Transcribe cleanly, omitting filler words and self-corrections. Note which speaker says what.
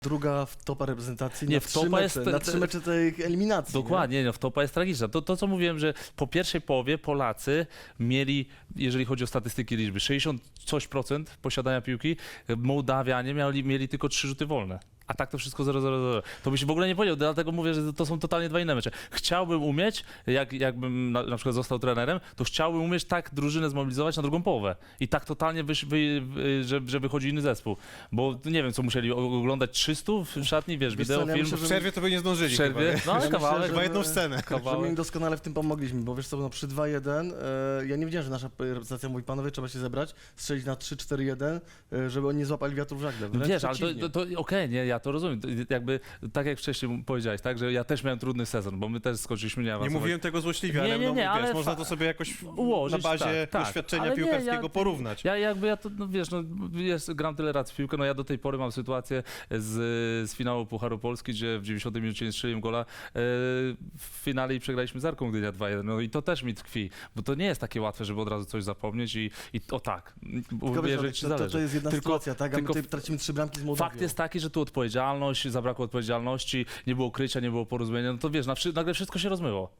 Speaker 1: druga w topa reprezentacji
Speaker 2: Nie,
Speaker 1: na
Speaker 2: w
Speaker 1: 3
Speaker 2: topa
Speaker 1: mecze,
Speaker 2: jest-
Speaker 1: na 3 mecze tej eliminacji.
Speaker 2: Dokładnie, no, wtopa jest tragiczna. To, co mówiłem, że po pierwszej połowie Polacy mieli, jeżeli chodzi o statystyki liczby, 60 coś procent posiadania piłki, Mołdawianie mieli tylko 3 rzuty wolne. A tak to wszystko 0-0-0. To by się w ogóle nie powiedział, dlatego mówię, że to są totalnie dwa inne mecze. Chciałbym umieć, jakbym na przykład został trenerem, to chciałbym umieć tak drużynę zmobilizować na drugą połowę. I tak totalnie, że wychodzi inny zespół. Bo nie wiem, co musieli oglądać 300 w szatni, wiesz,
Speaker 1: Wiesz co,
Speaker 2: wideo,
Speaker 1: ja
Speaker 2: film.
Speaker 1: myślę,
Speaker 3: W przerwie to by nie zdążyli
Speaker 2: W przerwie?
Speaker 3: chyba,
Speaker 2: No,
Speaker 1: Ja
Speaker 2: kawałek.
Speaker 1: myślę,
Speaker 3: chyba jedną scenę.
Speaker 1: Że my im doskonale w tym pomogliśmy, bo wiesz co, no przy 2-1, ja nie wiedziałem, że nasza reprezentacja mówi, panowie, trzeba się zebrać, strzelić na 3-4-1, żeby oni nie złapali wiatru w żagle.
Speaker 2: No
Speaker 1: Wręcz
Speaker 2: wiesz, ale
Speaker 1: przeciwnie.
Speaker 2: to okej, nie, ja to rozumiem. Jakby, tak jak wcześniej powiedziałeś, tak, że ja też miałem trudny sezon, bo my też skończyliśmy
Speaker 3: Nie
Speaker 2: awansować.
Speaker 3: mówiłem tego złośliwie,
Speaker 2: Nie,
Speaker 3: ale,
Speaker 2: nie,
Speaker 3: no,
Speaker 2: nie,
Speaker 3: wiesz,
Speaker 2: ale
Speaker 3: można to sobie jakoś
Speaker 2: ułożyć,
Speaker 3: na bazie
Speaker 2: tak,
Speaker 3: doświadczenia
Speaker 2: ale nie,
Speaker 3: piłkarskiego porównać.
Speaker 2: Ja to, no wiesz, no gram tyle lat w piłkę, no ja do tej pory mam sytuację z finału Pucharu Polski, gdzie w 90 minucie nie strzeliłem gola w finale i przegraliśmy z Arką Gdynia 2-1, no i to też mi tkwi, bo to nie jest takie łatwe, żeby od razu coś zapomnieć i o tak,
Speaker 1: Tylko wiesz,
Speaker 2: uwierzyć ci zależy.
Speaker 1: to jest jedna
Speaker 2: Tylko-
Speaker 1: sytuacja, tak? A my
Speaker 2: tylko
Speaker 1: tutaj tracimy 3 bramki z Mołdawią.
Speaker 2: Fakt jest taki, że tu odpowiedzialność, zabrakło odpowiedzialności, nie było krycia, nie było porozumienia, no to wiesz, nagle wszystko się rozmyło.